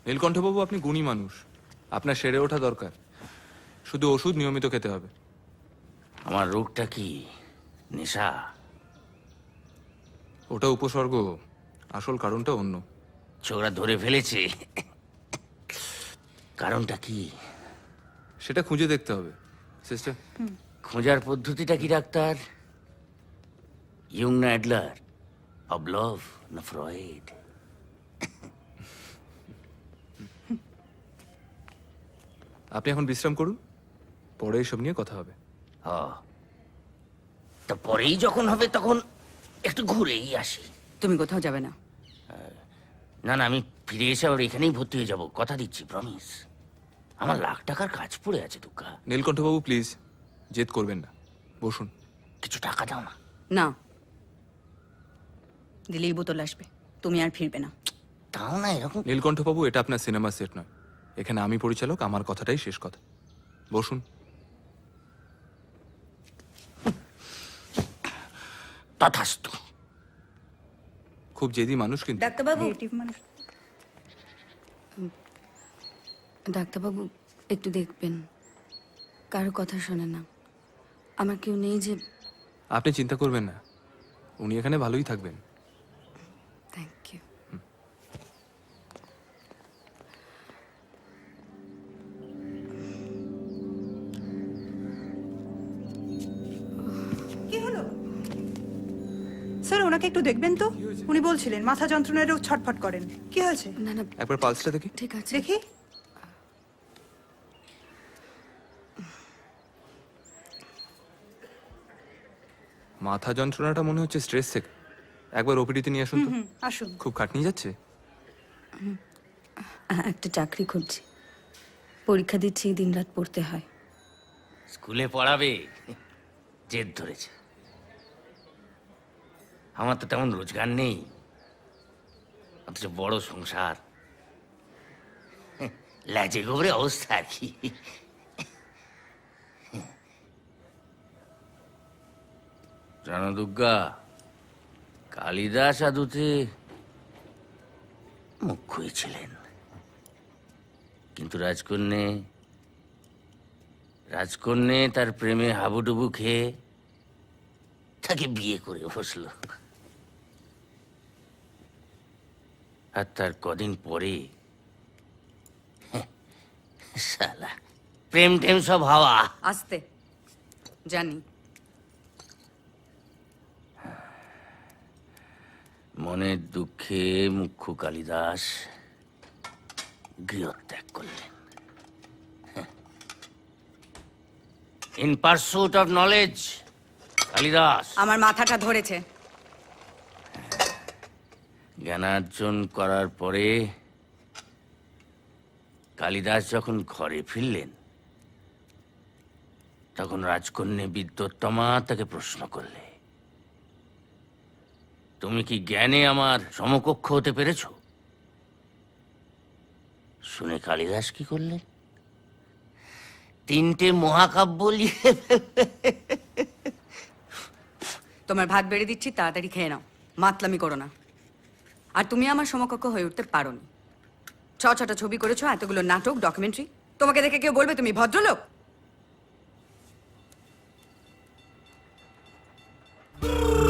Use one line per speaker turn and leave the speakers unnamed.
নীলকণ্ঠবাবু, আপনি গুণী মানুষ, আপনার সেরে ওঠা দরকার। শুধু ওষুধ নিয়মিত খেতে হবে।
আমার রোগটা কি নেশা?
ওটা উপসর্গ, আসল কারণটা অন্য।
ছোকরা ধরে ফেলেছে। কারণটা কি
সেটা খুঁজে দেখতে হবে সিস্টার।
খোঁজার পদ্ধতিটা কি ডাক্তার? ইয়ং না অ্যাডলার, পাভলভ না ফ্রয়েড?
আপনি এখন বিশ্রাম করুন, পরে এসব নিয়ে কথা হবে।
তা পরেই যখন হবে তখন একটু ঘুরেই আসি।
তুমি কোথাও যাবে না?
না না, আমি ফিরে এসে আবার এখানেই ভর্তি হয়ে যাব, কথা দিচ্ছি, প্রমিস। আমার লাখ টাকার কাজ পড়ে আছে দুর্গা।
নীলকণ্ঠবাবু প্লিজ, জেদ করবেন না, বসুন।
কিছু টাকা দাও না।
না, দিলেই বোতল আসবে, তুমি আর ফিরবে না।
তাও না এরকম।
নীলকণ্ঠবাবু, এটা আপনার সিনেমা সেট নয়, এখানে আমি পরিচালক, আমার কথাটাই শেষ কথা। বসুন।
তথাস্তু।
খুব জেদি মানুষ কিন্তু।
ডাক্তারবাবু, ডাক্তারবাবু একটু দেখবেন, কারো কথা শোনে না। আমার কেউ নেই যে।
আপনি চিন্তা করবেন না, উনি এখানে ভালোই থাকবেন।
Thank you.
কি হলো স্যার? ওনাকে একটু দেখবেন তো, উনি বলছিলেন মাথা যন্ত্রণারও ছটফট করেন। কি হয়েছে?
না না,
একবার পালসটা দেখি।
ঠিক আছে।
দেখি।
মাথা যন্ত্রণাটা মনে হচ্ছে স্ট্রেস থেকে। একবার ওপিডিতে নিয়ে আসুন তো।
আসুন।
খুব খাটনি যাচ্ছে।
একটা চাকরি খুঁজছি, পরীক্ষা দিচ্ছি, দিনরাত পড়তে হয়।
স্কুলে পড়াবে, জেদ ধরেছে। আমার তো তেমন রোজগার নেই, অথচ বড় সংসার। লাজে গোবরে অবস্থা আর কি। জানো দুর্গা, কালিদাস আদুতে মুখ্যই ছিলেন, কিন্তু রাজকন্যে তার প্রেমে হাবুডুবু খেয়ে তাকে বিয়ে করে বসলো। আর তার কদিন পরে শালা প্রেম টেম সব হাওয়া।
আসতে জানি।
মনের দুঃখে মুখ্য কালিদাস গৃহত্যাগ করলেন। In pursuit of knowledge Kalidas
আমার মাথাটা ধরেছে।
জ্ঞানার্জন করার পরে কালিদাস যখন ঘরে ফিরলেন, তখন রাজকন্যা বিদ্যোত্তমা তাকে প্রশ্ন করলে, তুমি কি জ্ঞানে আমার সমকক্ষ হতে পেরেছ? শুনে কালিদাস কি করলেন? 3টে মহাকাব্য লিখে
তোমার ভাত বেড়ে দিচ্ছি, তাড়াতাড়ি খেয়ে নাও, মাতলামি করো না। আর তুমি আমার সমকক্ষ হয়ে উঠতে পারোনি। 6টা ছবি করেছো, এতগুলো নাটক, ডকুমেন্টারি। তোমাকে দেখে কেউ বলবে তুমি ভদ্রলোক?